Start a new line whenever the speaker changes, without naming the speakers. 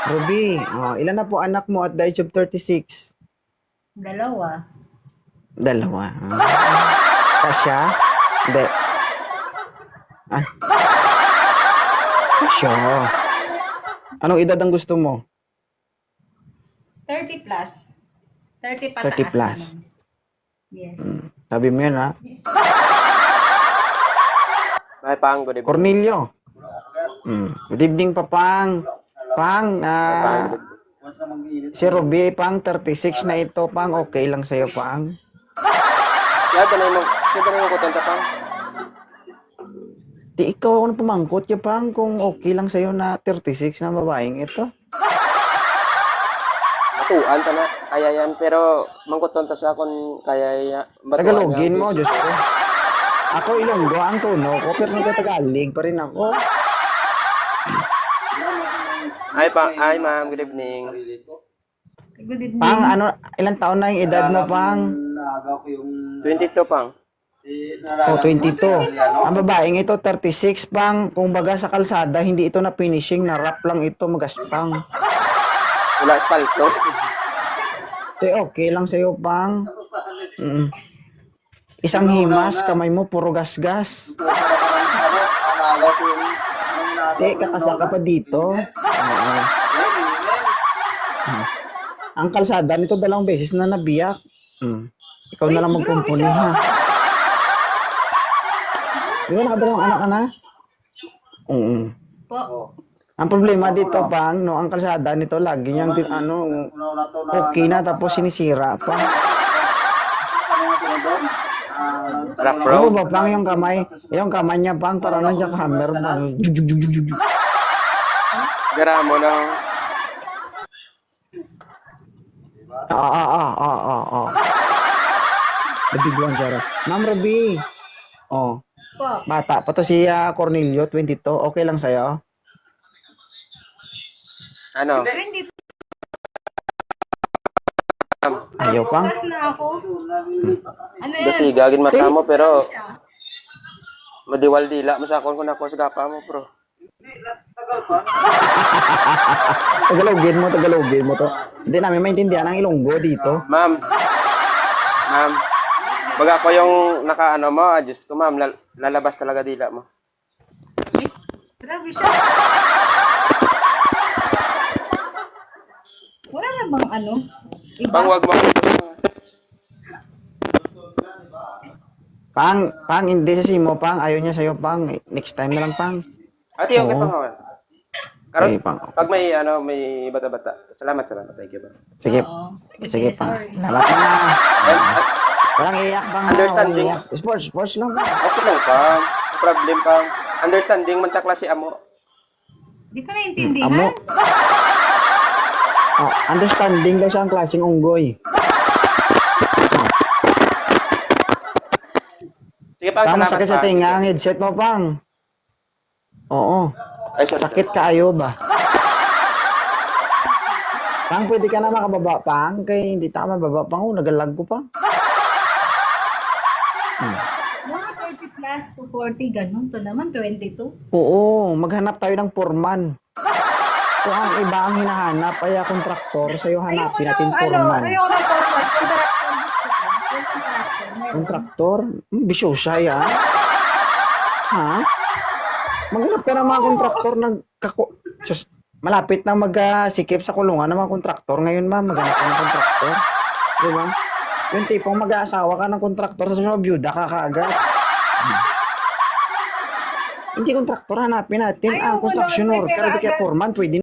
Ruby, ilan na po anak mo at the age of 36?
Dalawa.
Dalawa. Kasya? Hindi. Ay. Kasya. Anong edad ang gusto mo?
30 plus. 30 pataas
30 plus.
naman. Yes.
Sabi mo yan, ha?
Ay, Pang, good evening.
Cornelio. Good evening, Papang. Pang, si Ruby, Pang, 36 na ito, Pang. Okay lang sa'yo, Pang.
Siya, danay mo kontenta, Pang.
Di ikaw ako na pumangkot ya, Pang, kung okay lang sa'yo na 36 na babaeng ito.
Matuan ka na, kaya yan. Pero, mangkuton ta sa akong kaya yan.
Tagalogin mo, Diyos ko. Ako Ilonggo ang tono ko, pero nagtatagalog pa rin ako.
Ay, Pang. Ay, ma'am. Good evening.
Good evening.
Pang, ilang taon na yung edad mo, Pang?
22, Pang.
22. Ang babaeng ito, 36, Pang. Kung baga sa kalsada, hindi ito na finishing, na wrap lang ito, magaspang.
Wala espalto.
Okay lang sa'yo, Pang. Isang himas, kamay mo, puro gasgas. Kakasa ka pa dito. Ang kalsada nito 2 beses na nabiyak. Ikaw na lang magkumpuni, ha? Di ba nakadalawang anak ka na?
Po.
Ang problema dito, Pang, no, ang kalsada nito, lagi niyang, okay na, tapos sinisira pa.
Rock
Ano
road.
ba, Pang, yung kamay niya, Pang, para na siya hammer, Pang.
Gara mo na.
Nabiguan siya. Ma'am Ruby.
Po.
Bata pa to si Cornelio, 22. Okay lang sa'yo?
Ano?
Hindi
Ayaw, Pang.
plus na ako. Ano yan?
Kasi gagin mata mo, pero
Siya.
madiwal-dila mo sa akon kung ako sa gapa mo, bro.
Tagalogin mo to. Hindi namin maintindihan ang Ilonggo dito.
Ma'am. Baga ko yung nakaano mo, adjust ko, ma'am. Lalabas talaga dila mo.
Grabe siya. Wala na bang ano? Iba?
Pang, wag mo.
Pang, hindi sa simo, Pang. Ayaw niya sa'yo, Pang. Next time na lang, Pang.
Ate, okay,
Oo.
Pang, hawan. Karon,
Okay, Pang.
pag may bata-bata. Salamat. Thank you, Pang.
Sige,
Oo.
sige, Pang.
Sorry.
Labat na. Walang iyak, Pang.
Understanding.
Walang iyak. Sports lang, Pang.
Okay lang, Pang. No problem, Pang. Understanding man ta klase amo.
Di ko naintindihan.
Amo. Understanding daw siya ang klaseng unggoy.
Sige, Pang,
Pang,
salamat,
masakit sa
Pang.
tinga ang headset mo, Pang. Oo.
Ay, sorry.
Sakit kaayo ba? Pang, pwede ka na makababa, Pang. Kaya hindi tama baba, Pang. Nagalag ko, Pang.
Mga 30 plus to 40, ganun. To naman, 22.
Oo, maghanap tayo ng foreman. Kung ang iba ang hinahanap ay kontraktor, sa'yo hanapin natin foreman.
Ayoko ng forward. Contractor gusto ko. Yung contractor. Meron.
Kontraktor? Bisyosa yan. Ha? Maghanap ka ng mga kontraktor ng Diyos, malapit na magsikip sa kulungan ng mga kontraktor. Ngayon, ma'am, maghanap ka ng kontraktor. Di ba? Yung tipong mag-aasawa ka ng kontraktor, sa sunod, byuda ka kaagad. Hindi kontraktor, hanapin natin ang
Ayoko
construction
nun, may
worker,
pera
di kaya
agad.
foreman, pwede